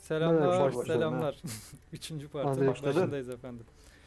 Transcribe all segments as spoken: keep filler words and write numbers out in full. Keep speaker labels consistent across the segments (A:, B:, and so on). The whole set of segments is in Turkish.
A: Selamlar,
B: Baş-
A: selamlar. Üçüncü
B: Hadi
A: partinin
B: başladı.
A: başındayız efendim.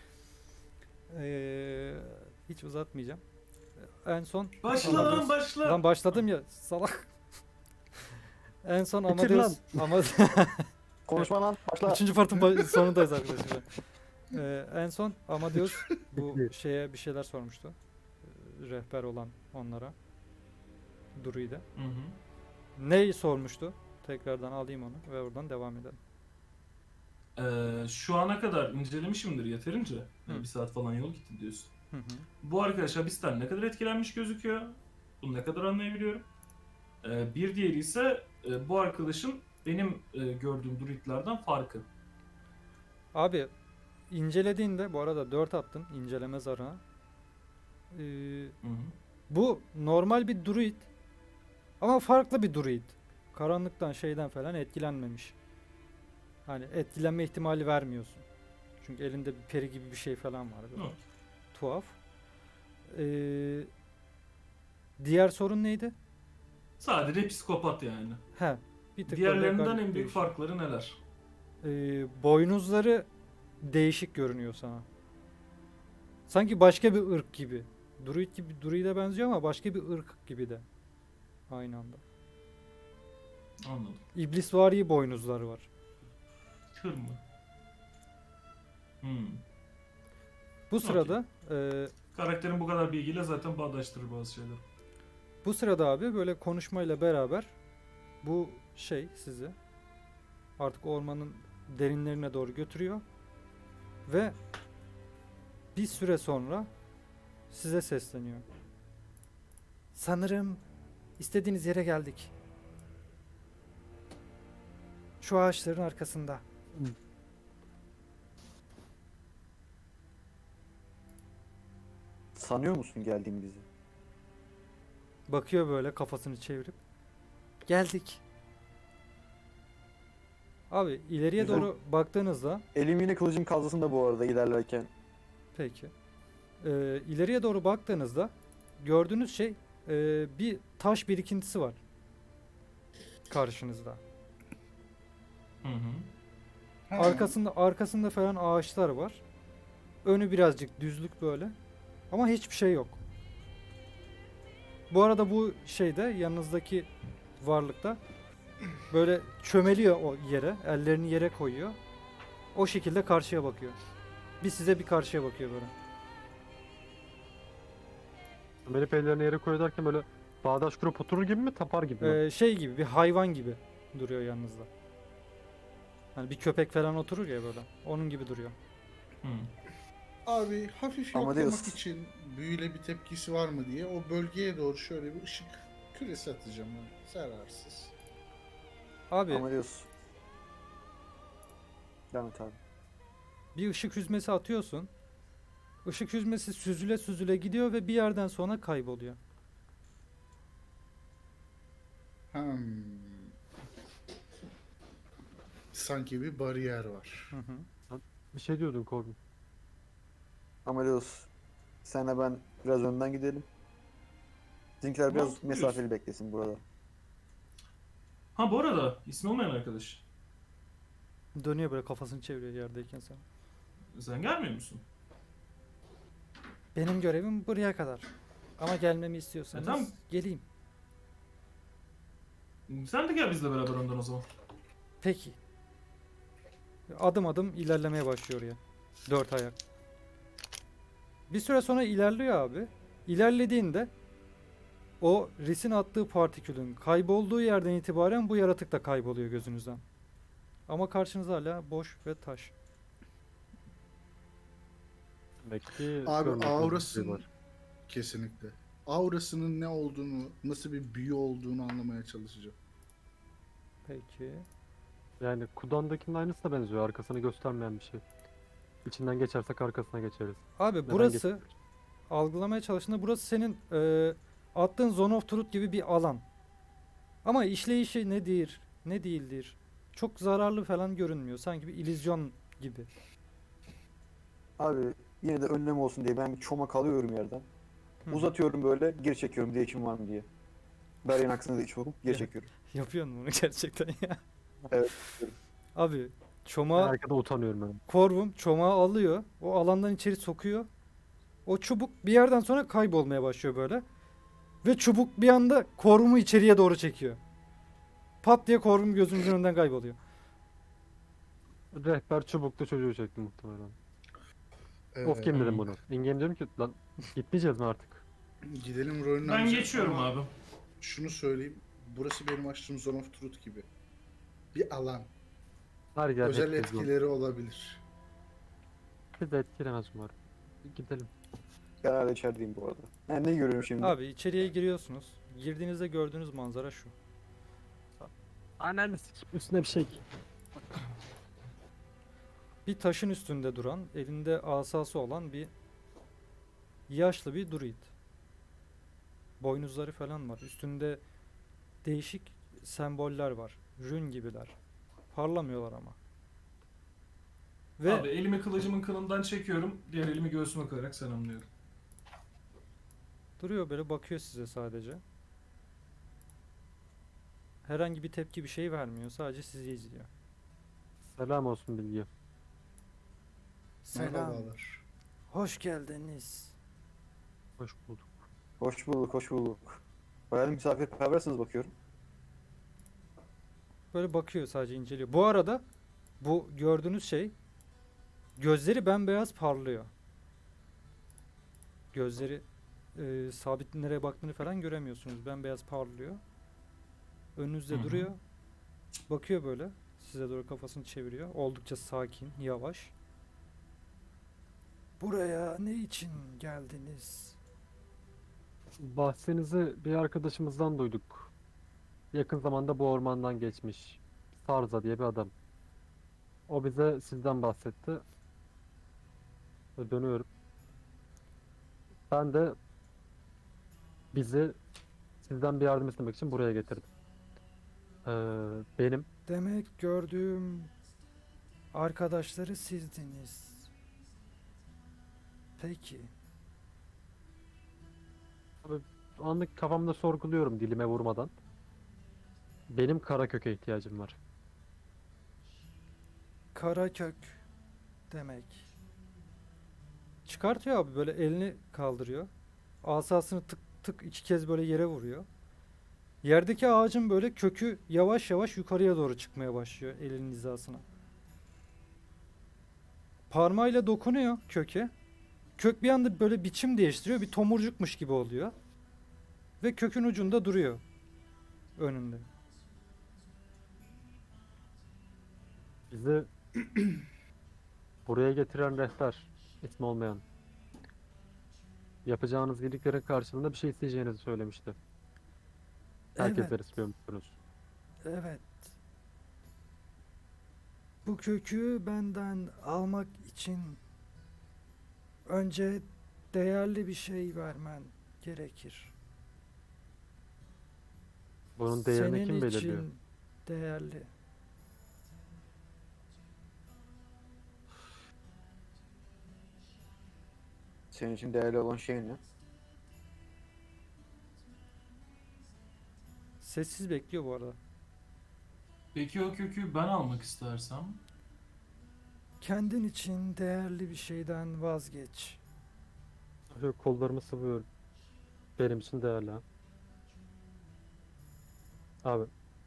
A: Ee, hiç uzatmayacağım. En son
C: Başla lan
A: Amadeus.
C: başla.
A: Lan başladım ya salak. En son
B: Bitir lan.
A: Amadeus. Ama
B: Konuşma lan. Başla.
A: üçüncü partın ba- sonundayız arkadaşlar. Ee, en son Amadeus bu
B: Bitti.
A: şeye bir şeyler sormuştu. Ee, Rehber olan onlara. Druid'e.
C: Hı hı.
A: Neyi sormuştu? Tekrardan alayım onu ve oradan devam edelim.
C: Ee, şu ana kadar incelemişimdir yeterince. Yani
A: Hı.
C: bir saat falan yol gitti diyorsun.
A: Hı hı.
C: Bu arkadaş hapisten ne kadar etkilenmiş gözüküyor. Bunu ne kadar anlayabiliyorum. Ee, bir diğeri ise e, bu arkadaşın benim e, gördüğüm druidlerden farkı.
A: Abi incelediğinde bu arada dört attın inceleme zarına. Ee,
C: Hı hı.
A: bu normal bir druid ama farklı bir druid. Karanlıktan şeyden falan etkilenmemiş. Hani etkilenme ihtimali vermiyorsun. Çünkü elinde bir peri gibi bir şey falan var. Böyle.
C: Hı.
A: Tuhaf. Ee, diğer sorun neydi?
C: Sadece psikopat yani.
A: He, bir tık
C: Diğerlerinden
A: böyle
C: en
A: garip
C: büyük
A: değişiyor.
C: farkları neler?
A: Ee, boynuzları değişik görünüyor sana. Sanki başka bir ırk gibi. Druid gibi druide benziyor ama başka bir ırk gibi de. Aynı anda.
C: Anladım.
A: İblisvari boynuzları var.
C: Kır mı? Hmm.
A: Bu sırada e,
C: Karakterin bu kadar bilgiyle zaten bağdaştırır bazı şeyler.
A: bu sırada abi böyle konuşmayla beraber bu şey sizi artık ormanın derinlerine doğru götürüyor ve bir süre sonra size sesleniyor. Sanırım istediğiniz yere geldik. Şu ağaçların arkasında.
B: Sanıyor musun geldiğimizi?
A: Bakıyor böyle kafasını çevirip. Geldik. Abi ileriye
B: Güzel.
A: doğru baktığınızda
B: Elim yine kılıcım kalzasında bu arada ilerlerken.
A: peki. Ee, ileriye doğru baktığınızda gördüğünüz şey e, bir taş birikintisi var karşınızda.
C: Hı hı.
A: Arkasında arkasında falan ağaçlar var. Önü birazcık düzlük böyle. Ama hiçbir şey yok. Bu arada bu şeyde yanınızdaki varlıkta böyle çömeliyor o yere, ellerini yere koyuyor. O şekilde karşıya bakıyor. Bir size bir karşıya bakıyor böyle.
D: Melih ellerini yere koyuyor derken böyle bağdaş kurup oturur gibi mi, tapar gibi mi?
A: Ee, şey gibi bir hayvan gibi duruyor yanınızda. Hani bir köpek falan oturur ya böyle. Onun gibi duruyor.
C: Hı.
E: Abi hafif
B: Ama
E: yoklamak
B: diyorsun.
E: için büyüyle bir tepkisi var mı diye o bölgeye doğru şöyle bir ışık küresi atacağım. Yani. Zararsız.
A: Abi
B: Ama diyorsun. Devam et abi.
A: bir ışık hüzmesi atıyorsun. Işık hüzmesi süzüle süzüle gidiyor ve bir yerden sonra kayboluyor.
E: Hmm. Sanki bir bariyer var.
A: Hı hı.
D: Bir şey diyordun Corbin.
B: Ama diyorsun. Senle ben biraz önden gidelim. Bizimkiler biraz
C: Mantıklı
B: mesafeli
C: diyorsun.
B: beklesin burada.
C: Ha bu arada ismi olmayan arkadaş.
A: Dönüyor böyle kafasını çeviriyor yerdeyken sen.
C: Sen gelmiyor musun?
A: Benim görevim buraya kadar. Ama gelmemi istiyorsanız
C: E, tamam.
A: geleyim.
C: Sen de gel bizle beraber ondan o zaman.
A: Peki. Adım adım ilerlemeye başlıyor ya. Dört ayak. Bir süre sonra ilerliyor abi. İlerlediğinde o Ris'in attığı partikülün kaybolduğu yerden itibaren bu yaratık da kayboluyor gözünüzden. Ama karşınızda hala boş ve taş.
D: Demek ki
E: Abi
D: görmediğimiz bir şey
E: aurasının
D: var.
E: kesinlikle. Aurasının ne olduğunu, nasıl bir büyü olduğunu anlamaya çalışacağım.
A: Peki.
D: Yani Kudan'dakinin aynısı da benziyor. Arkasını göstermeyen bir şey. İçinden geçersek arkasına geçeriz.
A: Abi
D: Neden
A: burası
D: geçersek?
A: algılamaya çalıştığında burası senin e, attığın Zone of Truth gibi bir alan. Ama işleyişi nedir, ne değildir. Çok zararlı falan görünmüyor. Sanki bir illüzyon gibi.
B: Abi yine de önlem olsun diye ben bir çomak alıyorum yerden.
A: Hı.
B: Uzatıyorum böyle geri çekiyorum diye içim var mı diye. Beryan aksine de içiyorum geri
A: Ya.
B: çekiyorum.
A: Yapıyorsun bunu gerçekten ya.
B: Evet.
A: Abi
D: Ben
A: çomağı
D: arkada utanıyorum ben.
A: korvum çomağı alıyor. O alandan içeri sokuyor. O çubuk bir yerden sonra kaybolmaya başlıyor böyle. Ve çubuk bir anda korvumu içeriye doğru çekiyor. Pat diye korvum gözümüzün önünden kayboluyor.
D: Rehber çubuklu çocuğu çekti muhtemelen. Off
E: Ee,
D: game dedim
C: Hmm.
D: bunu. In game diyorum ki lan gitmeyeceğiz mi artık?
E: Gidelim rolünü
C: Ben
E: alacağım
C: geçiyorum
E: ama
C: abi.
E: şunu söyleyeyim. Burası benim açtığım Zone of Truth gibi. Bir alan.
D: Her yer
E: Özel
D: herkes yok.
E: etkileri olabilir.
D: Bizi de etkilemez umarım. Gidelim.
B: Ben hala içerideyim bu arada. Ha, ne görüyorum şimdi?
A: Abi içeriye giriyorsunuz. Girdiğinizde gördüğünüz manzara şu.
D: Ananı sikeyim, üstüne bir şey.
A: Bir taşın üstünde duran, elinde asası olan bir yaşlı bir druid. Boynuzları falan var. Üstünde değişik semboller var. Rün gibiler. Parlamıyorlar ama. Ve
C: Abi elimi kılıcımın kınından çekiyorum. Diğer elimi göğsüme koyarak selamlıyorum.
A: duruyor böyle bakıyor size sadece. Herhangi bir tepki bir şey vermiyor. Sadece sizi izliyor.
D: Selam olsun Bilgi.
E: Merhabalar.
A: Hoş geldiniz.
D: Hoş bulduk.
B: Hoş bulduk, hoş bulduk. Bayağı misafirperversiniz bakıyorum.
A: Böyle bakıyor sadece inceliyor. Bu arada bu gördüğünüz şey gözleri bembeyaz parlıyor. Gözleri e, sabit nereye baktığını falan göremiyorsunuz. Bembeyaz parlıyor. Önünüzde
C: Hı hı.
A: duruyor. Bakıyor böyle. Size doğru kafasını çeviriyor. Oldukça sakin, yavaş. Buraya ne için geldiniz?
D: Bahsinizi bir arkadaşımızdan duyduk. Yakın zamanda bu ormandan geçmiş. Sarza diye bir adam. O bize sizden bahsetti. Ve dönüyorum. Ben de bizi sizden bir yardım istemek için buraya getirdim. Ee, benim
A: Demek gördüğüm arkadaşları sizdiniz. Peki.
D: anlık kafamda sorguluyorum dilime vurmadan. Benim kara köke ihtiyacım var.
A: Karakök demek. Çıkartıyor abi böyle elini kaldırıyor. Asasını tık tık iki kez böyle yere vuruyor. Yerdeki ağacın böyle kökü yavaş yavaş yukarıya doğru çıkmaya başlıyor elinin hizasına. Parmağıyla dokunuyor köke. Kök bir anda böyle biçim değiştiriyor. Bir tomurcukmuş gibi oluyor. Ve kökün ucunda duruyor. Önünde.
D: Bizi buraya getiren rehber, ismi olmayan, yapacağınız iyiliklerin karşılığında bir şey isteyeceğinizi söylemişti. Herkese
A: Evet,
D: istiyormuşsunuz.
A: evet. Bu kökü benden almak için önce değerli bir şey vermen gerekir.
D: Bunun değerini
A: Senin
D: kim belirliyor?
A: için değerli.
B: Senin için değerli olan şey ne?
A: Sessiz bekliyor bu arada.
C: Peki o kökü ben almak istersem?
A: Kendin için değerli bir şeyden vazgeç.
D: Şöyle kollarımı sıvıyorum. Benim için değerli ha. Abi.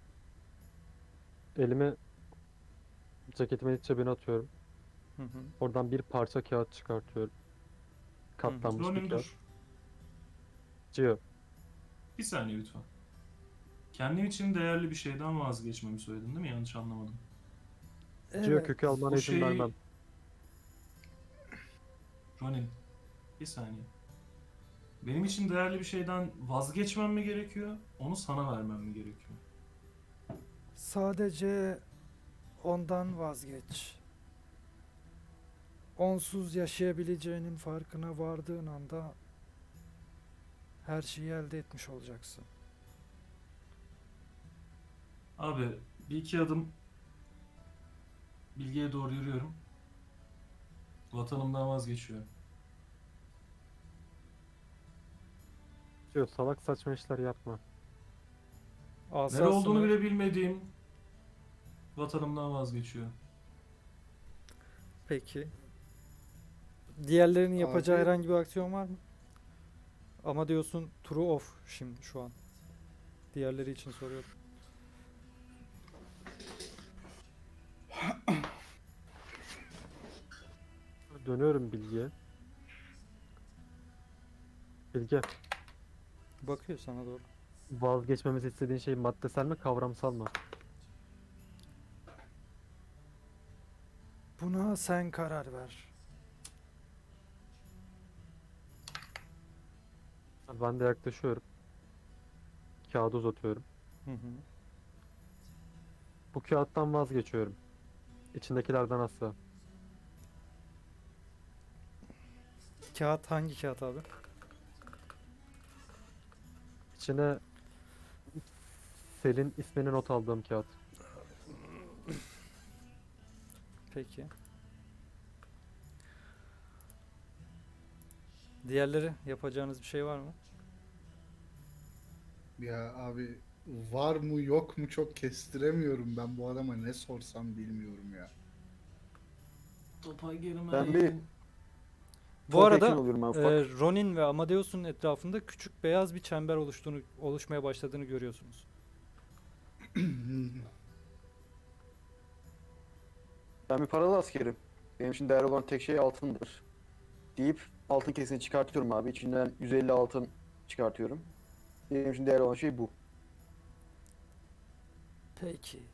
D: Elimi ceketimin iç cebine atıyorum.
A: Hı hı.
D: Oradan bir parça kağıt çıkartıyorum. Katlanmış bir
C: Ronin
D: kağıt.
C: dur.
D: Cio.
C: Bir saniye lütfen. Kendim için değerli bir şeyden vazgeçmemi söyledin değil mi? Yanlış anlamadım.
D: Cio
A: Evet.
D: kökü almana
C: Bu
D: izin
C: şey-
D: vermem.
C: Ronin. Bir saniye. Benim için değerli bir şeyden vazgeçmem mi gerekiyor? Onu sana vermem mi gerekiyor?
A: Sadece ondan vazgeç. Onsuz yaşayabileceğinin farkına vardığın anda her şeyi elde etmiş olacaksın.
C: Abi bir iki adım bilgiye doğru yürüyorum. Vatanımdan vazgeçiyorum.
D: Cio salak saçma işler yapma.
C: Nere
A: Asasını,
C: olduğunu bile bilmediğim Vatanımdan vazgeçiyor.
A: Peki. Diğerlerinin yapacağı
E: Abi-
A: herhangi bir aksiyon var mı? Ama diyorsun true off şimdi şu an. Diğerleri için soruyorum.
D: Dönüyorum Bilge'ye. Bilge,
A: Bakıyor sana doğru.
D: vazgeçmemizi istediğin şey maddesel mi, kavramsal mı?
A: Buna sen karar ver.
D: Ben de yaklaşıyorum. Kağıdı uzatıyorum.
A: Hı hı.
D: Bu kağıttan vazgeçiyorum. İçindekilerden asla.
A: Kağıt hangi kağıt abi?
D: İçine Selin ismini not aldığım kağıt.
A: Peki. Diğerleri yapacağınız bir şey var mı?
E: Ya abi var mı yok mu çok kestiremiyorum ben bu adama ne sorsam bilmiyorum ya.
C: Topa girmeyin.
B: Ben bir
A: Bu
B: Çok
A: arada
B: yakın oluyorum ben ufak.
A: e, Ronin ve Amadeus'un etrafında küçük beyaz bir çember oluştuğunu oluşmaya başladığını görüyorsunuz.
B: Ben bir paralı askerim. Benim için değerli olan tek şey altındır. Deyip altın kesini çıkartıyorum abi. İçinden yüz elli altın çıkartıyorum. Benim için değerli olan şey bu.
A: Peki.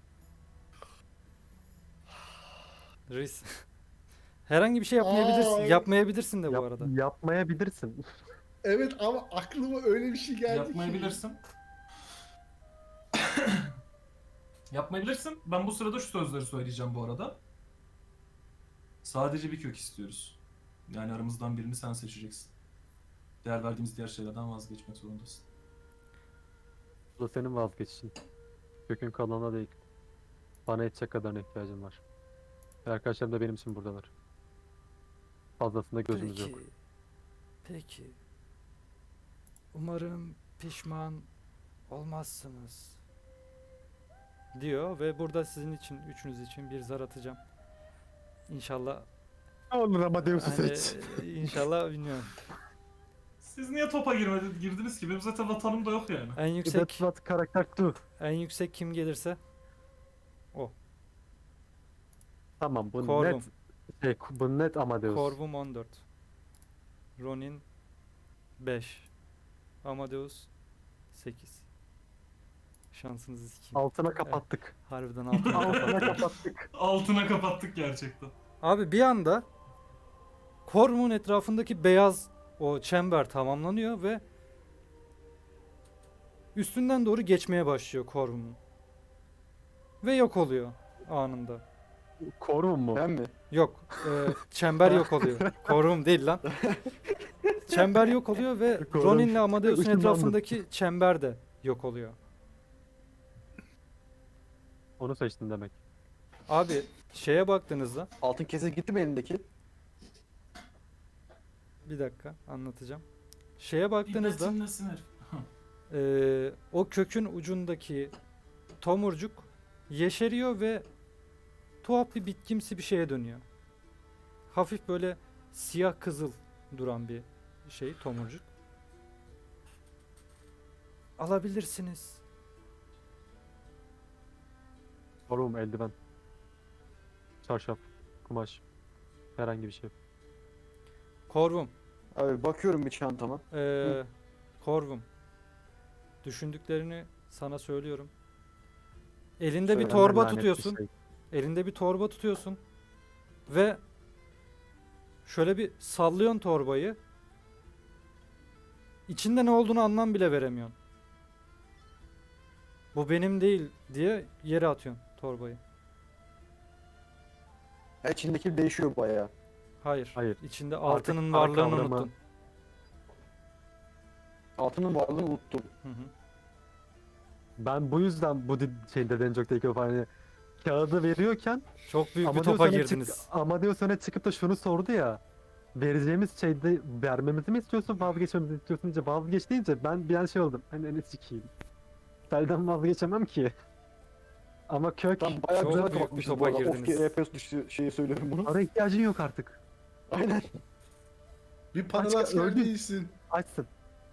A: Reis. Herhangi bir şey yapmayabilirsin.
E: Aa,
A: Yapmayabilirsin de bu
D: Yap-
A: arada.
D: Yapmayabilirsin.
E: Evet ama aklıma öyle bir şey geldi ki.
C: Yapmayabilirsin. Yapmayabilirsin. Ben bu sırada şu sözleri söyleyeceğim bu arada. Sadece bir kök istiyoruz. Yani aramızdan birini sen seçeceksin. Değer verdiğimiz diğer şeylerden vazgeçmek zorundasın.
D: Bu da senin vazgeçişin. Kökün kalanına değil. Bana yetecek kadarına ihtiyacım var. Ve arkadaşlarım da benim için buradalar. Fazlasında gözümüz
A: Peki.
D: yok.
A: Peki. Umarım pişman olmazsınız. Diyor ve burada sizin için, üçünüz için bir zar atacağım. İnşallah
D: Olur Amadeus'u
A: hani inşallah bilmiyorum.
C: Siz niye topa girmedi, girdiniz ki? Benim zaten vatanım da yok yani.
A: En yüksek
D: That's what karakter do.
A: en yüksek kim gelirse
D: Tamam bu
A: Corvum.
D: net şey, bu net Amadeus.
A: Corvum on dört. Ronin beş. Amadeus sekiz. Şansınızı sikeyim.
D: Altına kapattık.
A: Harbiden altına
D: Altına
A: kapattım.
D: kapattık.
C: Altına kapattık gerçekten.
A: Abi bir anda Corvum'un etrafındaki beyaz o çember tamamlanıyor ve üstünden doğru geçmeye başlıyor Corvum'un. Ve yok oluyor anında.
D: Corvum mu?
B: Ben mi?
A: Yok, e, çember yok oluyor. Corvum değil lan. Çember yok oluyor ve
D: Corvum.
A: Ronin'le Amadeus'un
D: Işınlandım.
A: etrafındaki çember de yok oluyor.
D: Onu seçtin demek.
A: Abi şeye baktığınızda
B: Altın kese gitti mi elindeki?
A: bir dakika anlatacağım. Şeye baktığınızda
C: İbretin nesin herif?
A: e, o kökün ucundaki tomurcuk yeşeriyor ve tuhaf bir bitkimsi bir şeye dönüyor. Hafif böyle siyah kızıl duran bir şey tomurcuk. Alabilirsiniz.
D: Corvum, eldiven. Çarşaf. Kumaş. Herhangi bir şey.
A: Corvum.
B: Abi bakıyorum bir çantama.
A: Ee, Corvum. Düşündüklerini sana söylüyorum. Elinde bir
B: Söyle.
A: torba
D: Lanet bir
A: tutuyorsun.
D: şey.
A: Elinde bir torba tutuyorsun. Ve şöyle bir sallıyorsun torbayı. İçinde ne olduğunu anlam bile veremiyorsun. Bu benim değil diye yere atıyorsun torbayı.
B: Ya içindeki değişiyor bayağı.
A: Hayır.
D: Hayır.
A: İçinde
D: Artık
A: altının
D: para
A: varlığını
D: kavramı-
A: unuttun.
B: Altının varlığını unuttum.
A: Hı hı.
D: Ben bu yüzden bu di- şeyde Dencok'taki o hani kağıdı veriyorken
A: Çok büyük bir
D: Amadeus
A: topa
D: öne çık-
A: girdiniz.
D: Amadeus öne çıkıp da şunu sordu ya. Vereceğimiz şeyde vermemizi mi istiyorsun, vazgeçmemizi istiyorsun deyince vazgeç deyince ben bir an şey oldum. Hani ne sikeyim. Selden vazgeçemem ki. Ama kök
B: Tam bayağı
A: Çok
B: güzel
A: büyük bir
B: kapatmışız
A: topa
B: bu arada. Off
A: girdiniz.
B: R P S dışı şeyi söylüyorum bunu.
D: para ihtiyacın yok artık.
B: Aynen.
E: Bir paralı
D: Kaç-
E: asker
D: öldün.
E: değilsin.
D: Açsın.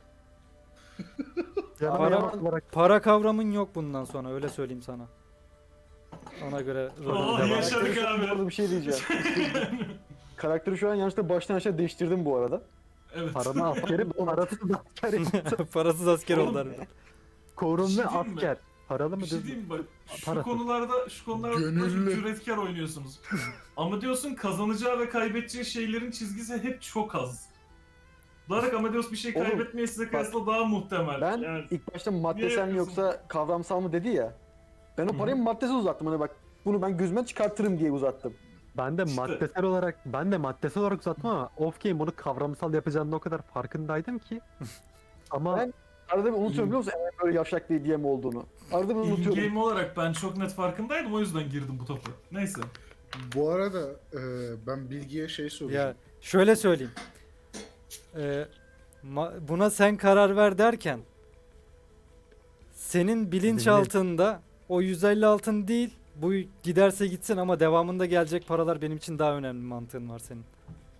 B: Ama
A: Para-
B: yaman
D: olarak
A: Para kavramın yok bundan sonra, öyle söyleyeyim sana. Ona göre rolünü
C: Oh,
A: devam et.
C: yaşa.
B: Karakteri şu an
C: abi.
B: bu arada bir şey diyeceğim. Karakteri şu an yanlışlıkla baştan aşağı değiştirdim bu arada.
C: Evet.
D: paranı askeri, parasız asker.
A: Parasız asker
C: Oğlum,
A: oldu harbiden.
D: Korun
C: Bir şey
D: ve
C: diyeyim mi?
D: asker. Paralı mı
C: Bir şey
D: düz mü?
C: diyeyim mi? Bak şu
D: Parası.
C: konularda şu konularda
E: Gönüllü.
C: cüretkar oynuyorsunuz. Ama diyorsun kazanacağı ve kaybedeceği şeylerin çizgisi hep çok az. Olarak Amadeus bir şey
B: Oğlum,
C: kaybetmeye size kıyasla daha muhtemel.
B: Ben
C: Yani
B: ilk başta maddesel mi
C: yapıyorsun?
B: yoksa kavramsal mı dedi ya. Ben o parayı maddesiz uzattım. Hani bak bunu ben gözüme çıkartırım diye uzattım.
D: Ben de
C: İşte.
D: maddesel olarak ben de maddesel olarak uzattım ama off game bunu kavramsal yapacağını o kadar farkındaydım ki. Ama
B: Ben- Arada bir unutuyorum biliyor musun? Eğer böyle yavşak diye diyem olduğunu. Arada bir unutuyorum.
C: in-game olarak ben çok net farkındaydım, o yüzden girdim bu topa. Neyse.
E: Bu arada e, ben Bilge'ye şey soracağım.
A: Ya şöyle söyleyeyim. Ee, ma- buna sen karar ver derken senin bilinçaltında o yüz elli altın değil, bu giderse gitsin ama devamında gelecek paralar benim için daha önemli mantığın var senin.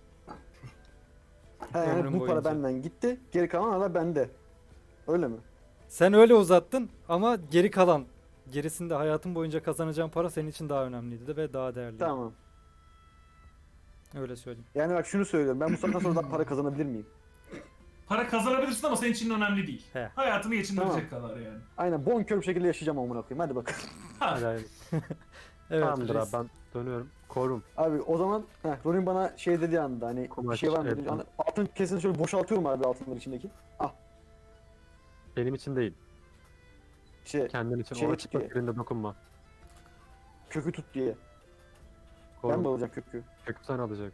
B: He, yani
A: ömrüm
B: bu para
A: boyunca.
B: benden gitti. Geri kalan hala bende. Öyle mi?
A: Sen öyle uzattın ama geri kalan, gerisinde hayatın boyunca kazanacağın para senin için daha önemliydi de ve daha değerli.
B: Tamam.
A: Öyle söyleyeyim.
B: Yani bak şunu söylüyorum. Ben bu saatten sonra daha para kazanabilir miyim?
C: Para kazanabilirsin ama senin için önemli değil.
A: He.
C: Hayatını geçindirecek kadar yani.
B: Aynen bonkör bir şekilde yaşayacağım amına koyayım. Hadi bakalım.
C: Ha.
D: yani,
A: Evet.
D: tamamdır
A: reis.
D: abi ben dönüyorum. Korum.
B: Abi o zaman heh, Ronin bana şey dediği anda hani bir
D: Kumaş,
B: şey var mı?
D: evet.
B: dedi. Hani altın kesini şöyle boşaltıyorum abi altınların içindeki. Ah
D: Benim için değil.
B: işte
D: Kendin için.
B: Şey
D: O çıplak
B: diye.
D: yerinde dokunma.
B: kökü tut diye. Ben
D: Korum.
B: mi alacağım kökü?
D: Kökü sen alacaksın.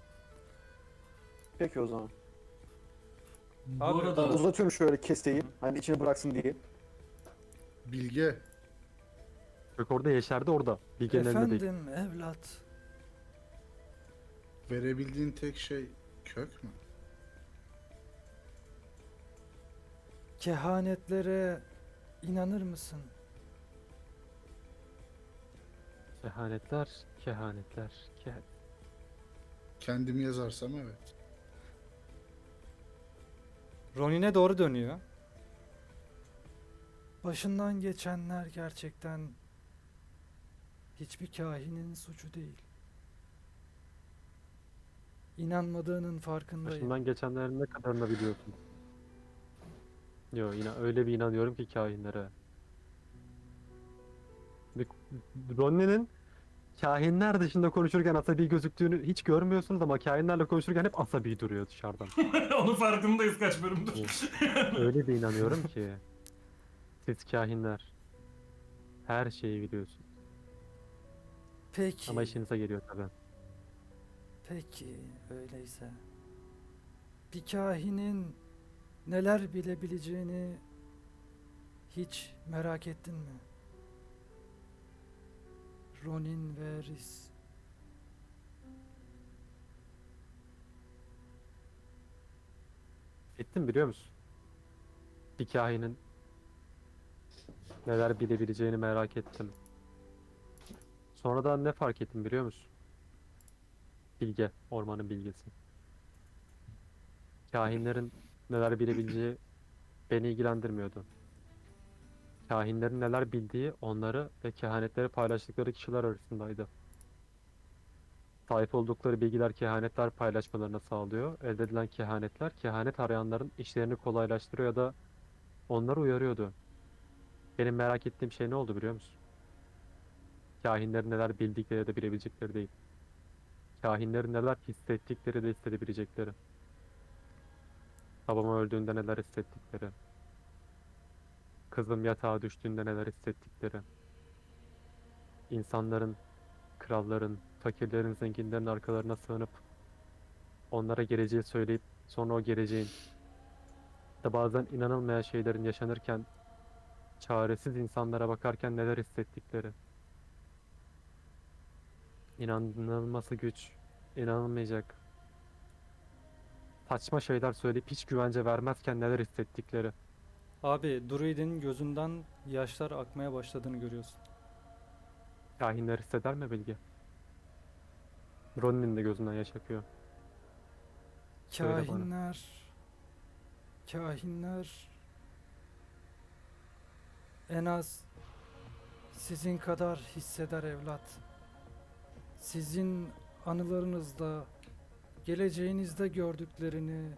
B: Peki o zaman.
C: Bu
A: Abi,
C: arada
B: Uzatıyorum şöyle kesteyi. Hani içine bıraksın diye.
E: Bilge.
D: Kök orada yeşerdi orada. Bilge'nin elinde değil.
A: Efendim evlat.
E: Verebildiğin tek şey kök mü?
A: Kehanetlere inanır mısın?
D: Kehanetler, kehanetler, kehanet.
E: Kendim yazarsam evet.
A: Ronin'e doğru dönüyor. Başından geçenler gerçekten hiçbir kahinin suçu değil. İnanmadığının farkındayım.
D: Başından geçenlerin ne kadarını biliyorsun? Yo yine öyle bir inanıyorum ki kahinlere. Bir- Ronnie'nin kahinler dışında konuşurken asabi gözüktüğünü hiç görmüyorsunuz ama kahinlerle konuşurken hep asabi duruyor dışarıdan.
C: onun farkındayız kaç bölümdür.
D: Öyle bir inanıyorum ki. Siz kahinler her şeyi biliyorsun.
A: Peki,
D: Ama işinize geliyor tabii.
A: peki öyleyse. Bir kahinin neler bilebileceğini hiç merak ettin mi? Ronin ve Rhys.
D: Ettin biliyor musun? Bir kahinin neler bilebileceğini merak ettim. Sonradan ne fark ettim biliyor musun? Bilge, ormanın bilgesi. Kahinlerin neler bilebileceği beni ilgilendirmiyordu. Kahinlerin neler bildiği onları ve kehanetleri paylaştıkları kişiler arasındaydı. Sahip oldukları bilgiler kehanetler paylaşmalarını sağlıyor. Elde edilen kehanetler kehanet arayanların işlerini kolaylaştırıyor ya da onları uyarıyordu. Benim merak ettiğim şey ne oldu biliyor musun? Kahinlerin neler bildikleri de bilebilecekleri değil. Kahinlerin neler hissettikleri de hissedebilecekleri. Babam öldüğünde neler hissettikleri. Kızım yatağa düştüğünde neler hissettikleri. İnsanların, kralların, fakirlerin, zenginlerin arkalarına sığınıp onlara geleceği söyleyip sonra o geleceğin da bazen inanılmayan şeylerin yaşanırken çaresiz insanlara bakarken neler hissettikleri. İnanılması güç, inanılmayacak. Saçma şeyler söyleyip hiç güvence vermezken neler hissettikleri.
A: Abi, Druid'in gözünden yaşlar akmaya başladığını görüyorsun.
D: Kahinler hisseder mi Bilge? Ronin'in de gözünden yaş akıyor. Söyle bana.
A: Kahinler, kahinler en az sizin kadar hisseder evlat. Sizin anılarınızda, geleceğinizde gördüklerini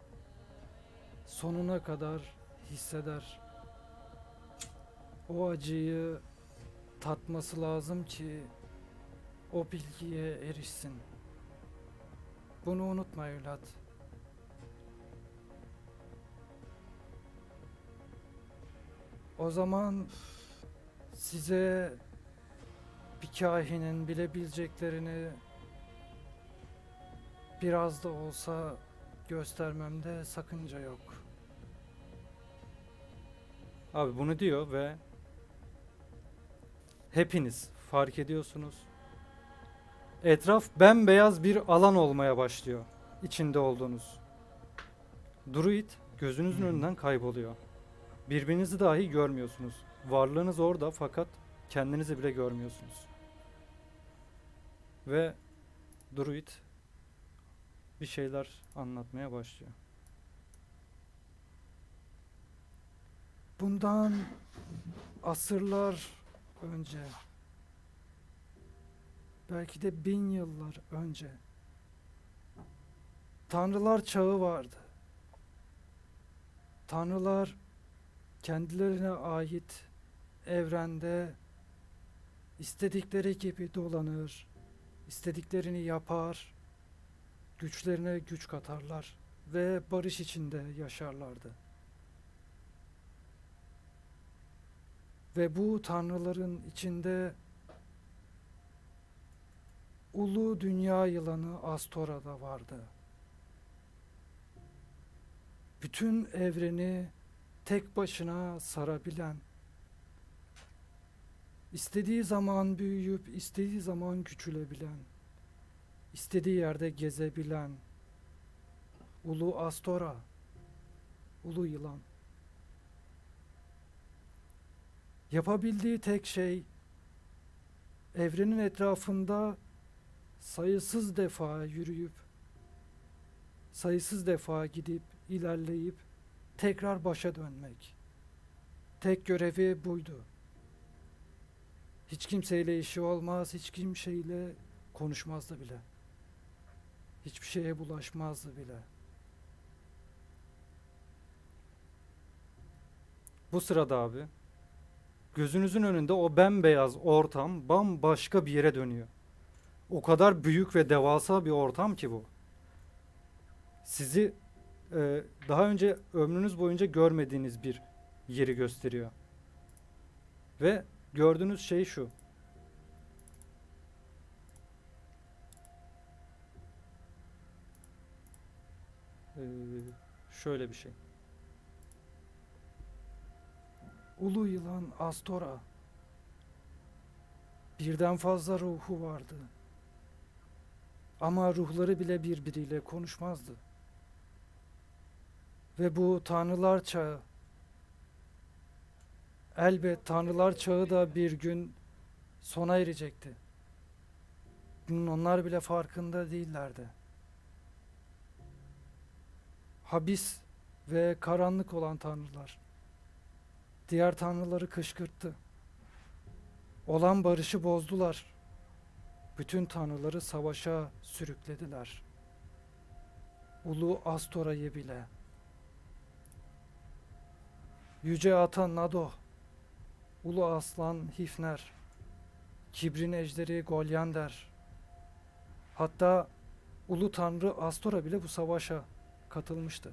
A: sonuna kadar hisseder. O acıyı tatması lazım ki o bilgiye erişsin. Bunu unutma evlat. O zaman size bir kahinin bilebileceklerini biraz da olsa göstermemde sakınca yok. Abi bunu diyor ve hepiniz fark ediyorsunuz. Etraf bembeyaz bir alan olmaya başlıyor. İçinde olduğunuz. Druid gözünüzün önünden kayboluyor. Birbirinizi dahi görmüyorsunuz. Varlığınız orada fakat kendinizi bile görmüyorsunuz. Ve Druid bir şeyler anlatmaya başlıyor. Bundan asırlar önce, belki de bin yıllar önce tanrılar çağı vardı. Tanrılar kendilerine ait evrende istedikleri gibi dolanır, istediklerini yapar, güçlerine güç katarlar ve barış içinde yaşarlardı. Ve bu tanrıların içinde ulu dünya yılanı Astora da vardı. Bütün evreni tek başına sarabilen, istediği zaman büyüyüp istediği zaman küçülebilen, istediği yerde gezebilen ulu Astora, ulu yılan. Yapabildiği tek şey evrenin etrafında sayısız defa yürüyüp, sayısız defa gidip, ilerleyip tekrar başa dönmek. Tek görevi buydu. Hiç kimseyle işi olmaz, hiç kimseyle konuşmazdı bile. Hiçbir şeye bulaşmazdı bile. Bu sırada abi, gözünüzün önünde o bembeyaz ortam bambaşka bir yere dönüyor. O kadar büyük ve devasa bir ortam ki bu. Sizi e, daha önce ömrünüz boyunca görmediğiniz bir yeri gösteriyor. Ve gördüğünüz şey şu. Ee, şöyle bir şey. Ulu yılan Astora. Birden fazla ruhu vardı. Ama ruhları bile birbiriyle konuşmazdı. Ve bu tanrılar çağı, elbet tanrılar çağı da bir gün sona erecekti. Bunun onlar bile farkında değillerdi. Habis ve karanlık olan tanrılar diğer tanrıları kışkırttı. Olan barışı bozdular. Bütün tanrıları savaşa sürüklediler. Ulu Astora'yı bile. Yüce Ata Nado, Ulu Aslan Hifner, Kibrin Ejderi Golyander, hatta Ulu Tanrı Astora bile bu savaşa katılmıştı.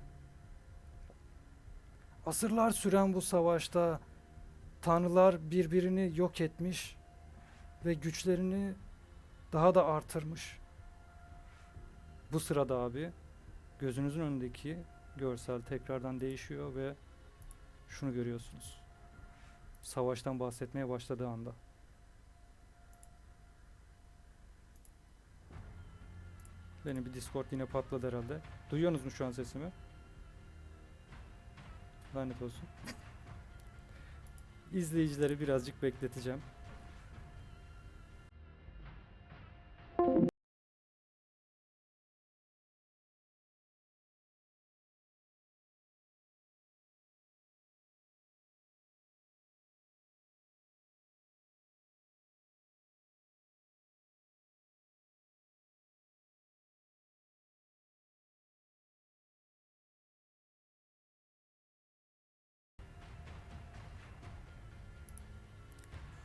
A: Asırlar süren bu savaşta tanrılar birbirini yok etmiş ve güçlerini daha da artırmış. Bu sırada abi gözünüzün önündeki görsel tekrardan değişiyor ve şunu görüyorsunuz. Savaştan bahsetmeye başladığı anda. Benim bir Discord yine patladı herhalde. Duyuyorsunuz mu şu an sesimi? Lanet olsun. İzleyicileri birazcık bekleteceğim.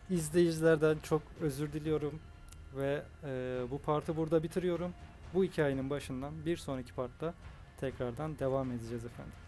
A: izleyicilerden çok özür diliyorum ve e, bu partı burada bitiriyorum. Bu hikayenin başından bir sonraki partta tekrardan devam edeceğiz efendim.